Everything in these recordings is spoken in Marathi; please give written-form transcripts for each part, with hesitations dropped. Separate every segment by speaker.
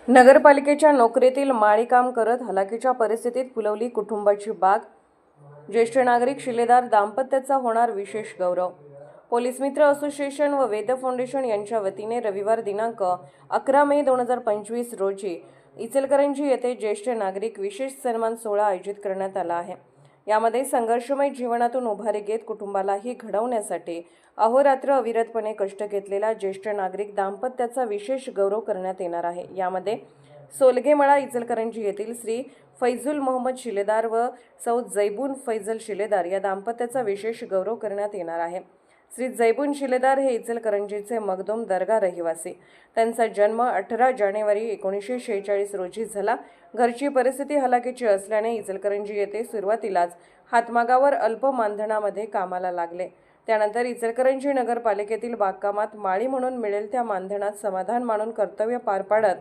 Speaker 1: नगरपालिकेच्या नोकरीतील माळी काम करत हलाखीच्या परिस्थितीत फुलवली कुटुंबाची बाग। ज्येष्ठ नागरिक शिलेदार दाम्पत्याचा होणार विशेष गौरव। पोलीस मित्र असोसिएशन व वेद फाउंडेशन यांच्या वतीने रविवार दिनांक 11 मे 2025 रोजी इचलकरंजी येथे ज्येष्ठ नागरिक विशेष सन्मान सोहळा आयोजित करण्यात आला आहे। यामध्ये संघर्षमय जीवनातून उभारी घेत कुटुंबालाही घडवण्यासाठी अहोरात्र अविरतपणे कष्ट घेतलेल्या ज्येष्ठ नागरिक दाम्पत्याचा विशेष गौरव करण्यात येणार आहे। यामध्ये सोलगेमळा इचलकरंजी येथील श्री फैजुल मोहम्मद शिलेदार व सौ जैबून फैजल शिलेदार या दाम्पत्याचा विशेष गौरव करण्यात येणार आहे। श्री जैबून शिलेदार हे इचलकरंजीचे मखदूम दर्गा रहिवासी। त्यांचा जन्म 18 जानेवारी 1946 रोजी झाला। घरची परिस्थिती हलाखीची असल्याने इचलकरंजी येथे सुरुवातीलाच हातमागावर अल्प मानधनामध्ये कामाला लागले। त्यानंतर इचलकरंजी नगरपालिकेतील बागकामात माळी म्हणून मिळेल त्या मानधनात समाधान मानून कर्तव्य पार पाडत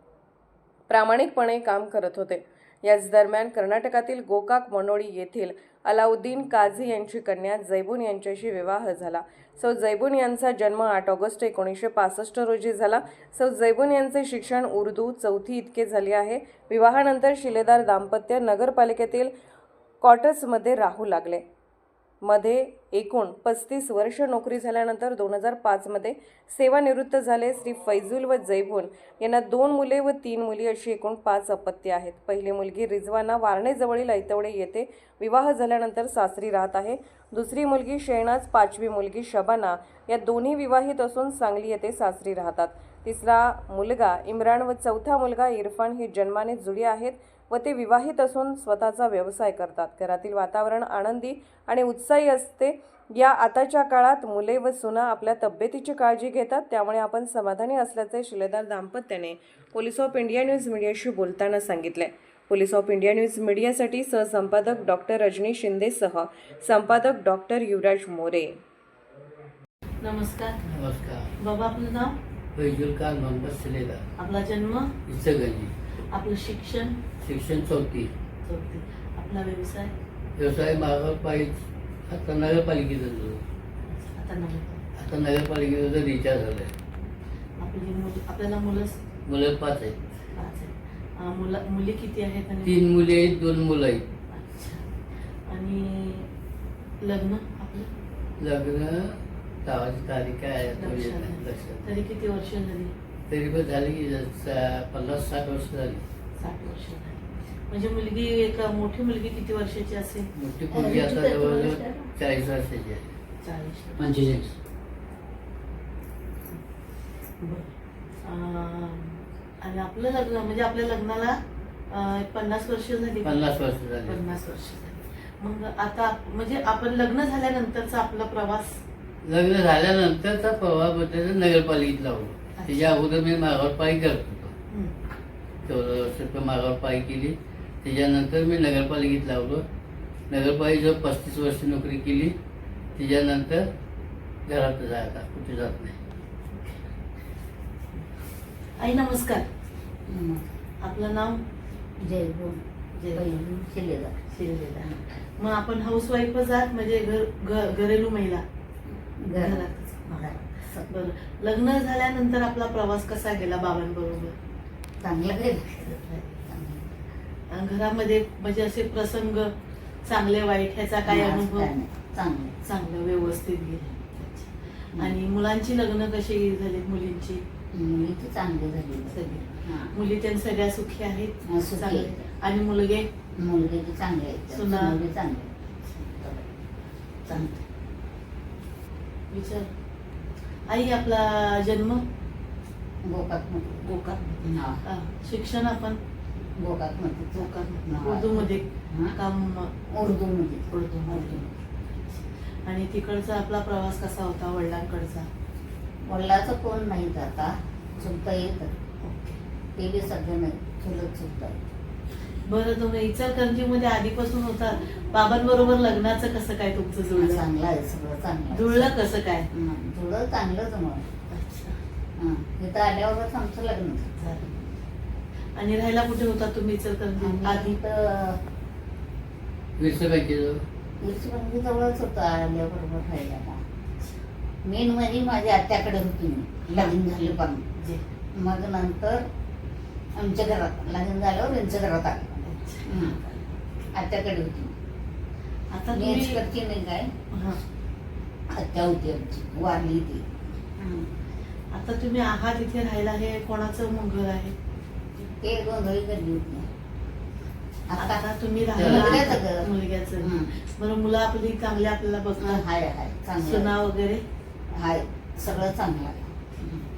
Speaker 1: प्रामाणिकपणे काम करत होते। याच दरम्यान कर्नाटकातील गोकाक मनोळी येथील अलाउद्दीन काझी यांची कन्या जैबून यांच्याशी विवाह झाला। सौ जैबून यांचा जन्म 8 ऑगस्ट 1965 रोजी झाला। सौ जैबून यांचे शिक्षण उर्दू चौथी इतके झाले आहे। विवाहानंतर शिलेदार दाम्पत्य नगरपालिकेतील क्वार्टर्समध्ये राहू लागले। मध्ये एकूण 35 वर्ष नोकरी झाल्यानंतर 2005 मध्ये सेवानिवृत्त झाले। श्री फैजुल व जैबून यांना 2 मुले व 3 मुली अशी एकूण 5 अपत्ये आहेत। पहिली मुलगी रिजवाना वारणेजवळील ऐतवडे येथे विवाह झाल्यानंतर सासरी राहत आहे। दुसरी मुलगी शेहनाज, 5वी मुलगी शबाना या दोन्ही विवाहित असून सांगली येथे सासरी राहतात। तिसरा मुलगा इम्रान व चौथा मुलगा इरफान हे जन्माने जुळे आहेत व ते विवाहित असून स्वतःचा व्यवसाय करतात। घरातील वातावरण आनंदी आणि उत्साही असते। या आताच्या काळात मुले व सुना आपल्या तब्येतीची काळजी घेतात, त्यामुळे आपण समाधानी असल्याचे शिलेदार दाम्पत्याने पोलीस ऑफ इंडिया न्यूज मीडियाशी बोलताना सांगितले। पोलीस ऑफ इंडिया न्यूज मीडियासाठी सहसंपादक डॉक्टर रजनी शिंदेसह संपादक डॉक्टर युवराज मोरे।
Speaker 2: नमस्कार।
Speaker 3: नमस्कार।
Speaker 2: बाबा, आपलं नाव?
Speaker 3: फैजुल खान मोहम्मद शिलेदार।
Speaker 2: आपला जन्म?
Speaker 3: इचलकरंजी।
Speaker 2: आपलं शिक्षण?
Speaker 3: शिक्षण चौथी।
Speaker 2: आपला व्यवसाय?
Speaker 3: व्यवसाय मागावर पाहिजे आता नगरपालिकेचा जो आता नगरपालिकेचा रिचार्ज झालाय।
Speaker 2: आपल्याला
Speaker 3: मुलं 5 आहेत।
Speaker 2: 5 आहेत। मुली किती आहेत?
Speaker 3: 3 मुली आहेत, 2 मुलं आहेत।
Speaker 2: अच्छा। आणि लग्न आपलं?
Speaker 3: लग्न गावाची तारीख काय आहे लक्षात?
Speaker 2: तरी किती वर्ष झाली?
Speaker 3: तरी पण झाली की 50-60 वर्ष झाली।
Speaker 2: 60 वर्ष झाली। म्हणजे मुलगी एक मोठी मुलगी किती वर्षाची असेल?
Speaker 3: मोठी मुलगी आता जवळजवळ 40 वर्षाची आहे।
Speaker 2: 40
Speaker 3: 45।
Speaker 2: आणि आपलं लग्न म्हणजे आपल्या लग्नाला 50 वर्ष झाली?
Speaker 3: 50 वर्ष झाली।
Speaker 2: 50 वर्ष झाली। मग आता म्हणजे आपण लग्न झाल्यानंतरचा आपला प्रवास?
Speaker 3: लग्न झाल्यानंतरचा प्रवास म्हणजे नगरपालिकेत लावलो। त्याच्या अगोदर मी मागावर पायी करत होतो। 14 वर्ष मागावर पायी केली। त्याच्यानंतर मी नगरपालिकेत लावलो। नगरपालिकेत 35 वर्ष नोकरी केली। त्याच्यानंतर घरात जायला कुठे जात नाही।
Speaker 2: आई नमस्कार। आपलं नाव?
Speaker 4: जैबून शिलेदार।
Speaker 2: शिलेदार। मग आपण हाऊसवाईफच आहात म्हणजे घरेलू महिला? बरं। लग्न झाल्यानंतर आपला प्रवास कसा गेला बाबांबरोबर?
Speaker 4: चांगला गेला।
Speaker 2: घरामध्ये म्हणजे असे प्रसंग चांगले वाईट ह्याचा काय अनुभव? चांगलं व्यवस्थित गेले। आणि मुलांची लग्न कशी झाली? मुलींची?
Speaker 4: मुलीची चांगली झाली
Speaker 2: सगळी मुली त्या सगळ्या सुखी आहेत?
Speaker 4: चांगले।
Speaker 2: आणि मुलगे?
Speaker 4: मुलगे चांगले आहेत।
Speaker 2: सुना?
Speaker 4: चांगले।
Speaker 2: विचार। आई, आपला जन्म?
Speaker 4: गोकाक।
Speaker 2: शिक्षण आपण?
Speaker 4: गोकाक
Speaker 2: उर्दू मध्ये काम?
Speaker 4: उर्दू मध्ये।
Speaker 2: उर्दू। आणि तिकडचा आपला प्रवास कसा होता वडिलांकडचा?
Speaker 4: वडिलाचं कोण नाही आता, चुलता येत ते बी सध्या नाही, चुलत चुलता येत।
Speaker 2: बरं, तुम्ही इचलकरंजी मध्ये आधीपासून होता, बाबांबरोबर लग्नाचं कसं काय तुमचं जुळलं?
Speaker 4: चांगलं आहे, सगळं चांगलं।
Speaker 2: जुळलं कसं काय?
Speaker 4: जुळलं चांगलंच मग। इथं आल्यावरच आमचं लग्न झालं।
Speaker 2: आणि राहायला कुठे होता तुम्ही इचलकरंजी आधी?
Speaker 4: तर
Speaker 3: विरसबंगी
Speaker 4: जवळच होतं आल्याबरोबर राहायला। मेन म्हणजे माझ्या आत्याकडे होती मी, लग्न झाले पण। मग नंतर आमच्या घरात लग्न झाल्यावर यांच्या घरात आले
Speaker 2: अच्छा.
Speaker 4: आत्याकडे होती
Speaker 2: आता
Speaker 4: मी
Speaker 2: तुम्ही
Speaker 4: एक्सपर्टची नाही काय
Speaker 2: हा.
Speaker 4: आत्या होती आमची वारली ती
Speaker 2: आता तुम्ही आहात इथे राहायला, हे कोणाचं मंगळ आहे?
Speaker 4: ते गोंधळी करली होती आता
Speaker 2: आता तुम्ही
Speaker 4: मुलग्याचं
Speaker 2: राहायला
Speaker 4: घर.
Speaker 2: मुलग्याचं.
Speaker 4: हं.
Speaker 2: बरं, मुलं आपली चांगली आपल्याला बघतात,
Speaker 4: हाय हाय चांगलं
Speaker 2: सुना वगैरे?
Speaker 4: हाय सगळं चांगलं आहे